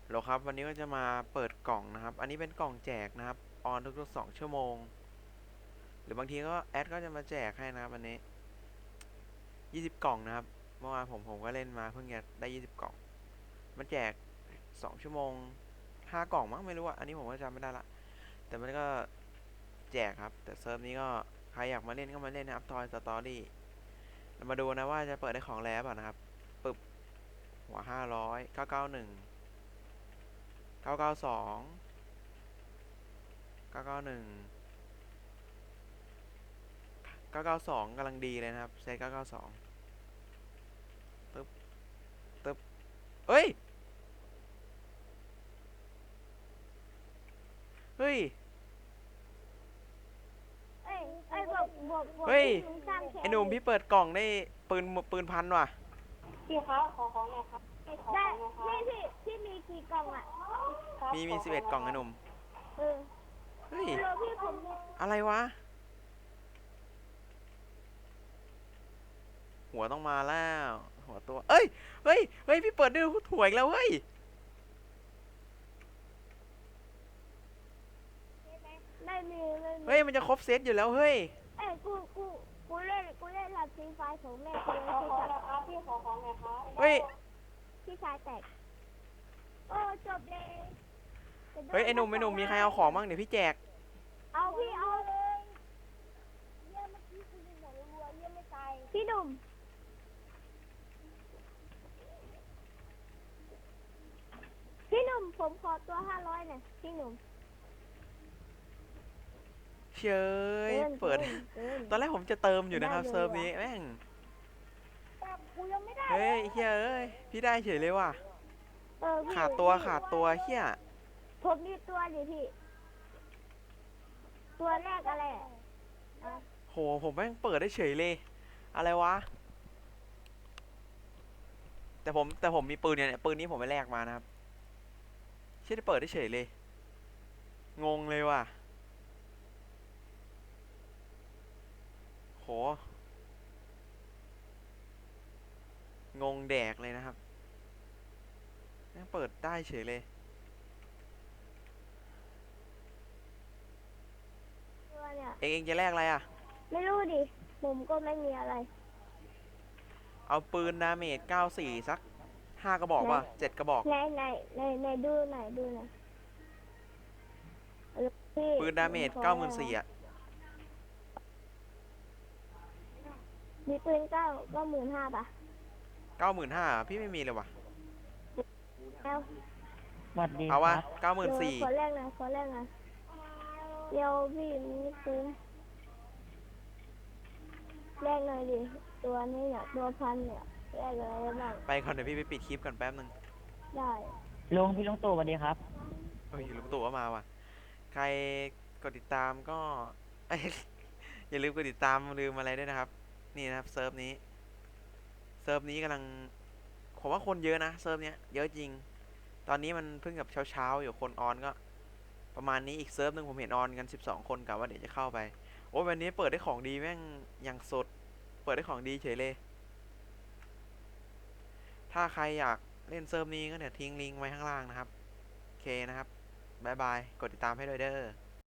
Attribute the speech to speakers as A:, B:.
A: โหลครับวันนี้ก็จะมาเปิดกล่องนะครับอันนี้เป็นกล่องแจกนะครับออนทุกๆ2 ชั่วโมงหรือบางทีก็แอดก็จะมาแจกให้นะครับวันนี้20 กล่องนะครับเมื่อวานผมก็เล่นมาเพิ่งจะได้20 กล่องมันแจก2 ชั่วโมง5 กล่องมั้งไม่รู้อะอันนี้ผมก็จำไม่ได้ละแต่มันก็แจกครับแต่เซิร์ฟนี้ก็ใครอยากมาเล่นก็มาเล่นนะครับทอยสตอรี่เรามาดูนะว่าจะเปิดได้ของแล้วเปล่านะครับปึ๊บหัว500 991 992 991 992กำลังดีเลยนะครับเซต992ตึ๊บตึ๊บเฮ้ยเฮ้ย
B: เอ้ยเอ้ยบวก
A: เฮ้ย
B: ที่ลุงสร้างแค่
A: ไอ้หนุ่มพี่เปิดกล่องได้ปืนพันว่ะ
C: พี่ครับขอของหน่อยครับพี่ขอ
B: ได้
C: ของหน่อยครับ
B: พี่มีกี่กล่องอ่ะ
C: ครับ
A: มี
C: ขอข
A: 11 กล่องไอ้หนุ่ม
B: เออ
A: เฮ้ย
B: เออพี่ผม
A: อะไรวะหัวต้องมาแล้วหัวตัวเอ้ยเฮ้ยพี่เปิดได้ถั่วอีกแล้วเฮ้ย
B: ไม่มี
A: เฮ้ยมันจะครบเซตอยู่แล้วเฮ้ย
B: เอ้ยกูเล่นรับฟรีไฟของแม่กูเลย
C: ขอ
B: พี่
C: ของห
B: กับ
C: น่อยครับพี่ขอของหน่อยครับ
A: เฮ้ย
B: พี่ชายแตกโอ้จบเลย
A: เฮ้ยไอ้หนุ่มมีใครเอาของบ้างเดี๋ยวพี่แจก
B: เอาพี่เอาเลยเยี่ยเมื่อกี้กูยิงหมดรัวเยี่ยไม่ตายพี่หนุ่มผมขอตัว500หน่อยพี่หนุ่ม
A: เชยเปิด
B: เกิน
A: ตอนแรกผมจะเติมอยู่นะครับเซิร์ฟนี้แม่ง
B: แต่กูยังไม่ได้
A: เฮ้ยเฮ้ยพี่ได้เฉยเลยว่ะ
B: พี่
A: ขาดตัวเฮีย
B: ผมมีตัวดิพี่ตัวแรกอะไร
A: โหผมแม่งเปิดได้เฉยเลยอะไรวะแต่ผมมีปืนเนี่ยปืนนี้ผมไปแลกมานะครับเชื่อได้เปิดได้เฉยเลยงงเลยว่ะโหงงแดกเลยนะครับแม่งเปิดได้เฉยเลย
B: ตัวเนี่ย
A: เองจะแลกอะไรอ่ะ
B: ไม่รู้ดิผมก็ไม่มีอะไร
A: เอาปืนดาเมจ94สัก5 กระบอกป่ะ7 กระบอก
B: ไหนดูหน่อย
A: ปืนดาเมจ94,000อ่ะ
B: มีปืน95,000ป่ะ
A: 95,000พี่ไม่มีเลยว่ะ
B: แล้ว
C: สวัสดี
A: เอาวะ
B: ขอ
A: 94,000
B: แรกหน่อยเดี๋ยวพี่มีปืนแรกหน่อยดิตัวนี้เนี่ยตัวพันเนี่ยแรกอะไรบ้าง
A: ไปก่อนเดี๋ยวพี่ไปปิดคลิปก่อนแป๊บนึง
B: ได้
C: พี่ลุงตู่สวัสดีครับ
A: เฮ้ยลุงตู่ก็มาว่ะใครกดติดตามก็ อย่าลืมกดติดตามลืมอะไรด้วยนะครับนี่นะครับเซิร์ฟนี้กำลังผมว่าคนเยอะนะเซิร์ฟเนี้ยเยอะจริงตอนนี้มันเพิ่งกับเช้าอยู่คนออนก็ประมาณนี้อีกเซิร์ฟหนึ่งผมเห็นออนกัน12 คนกะว่าเดี๋ยวจะเข้าไปโอ้ยวันนี้เปิดได้ของดีแม่งอย่างสดเปิดได้ของดีเฉยเลยถ้าใครอยากเล่นเซิร์ฟนี้ก็เดี๋ยวทิ้งลิงก์ไว้ข้างล่างนะครับโอเคนะครับบ๊ายบายกดติดตามให้ด้วยเด้อ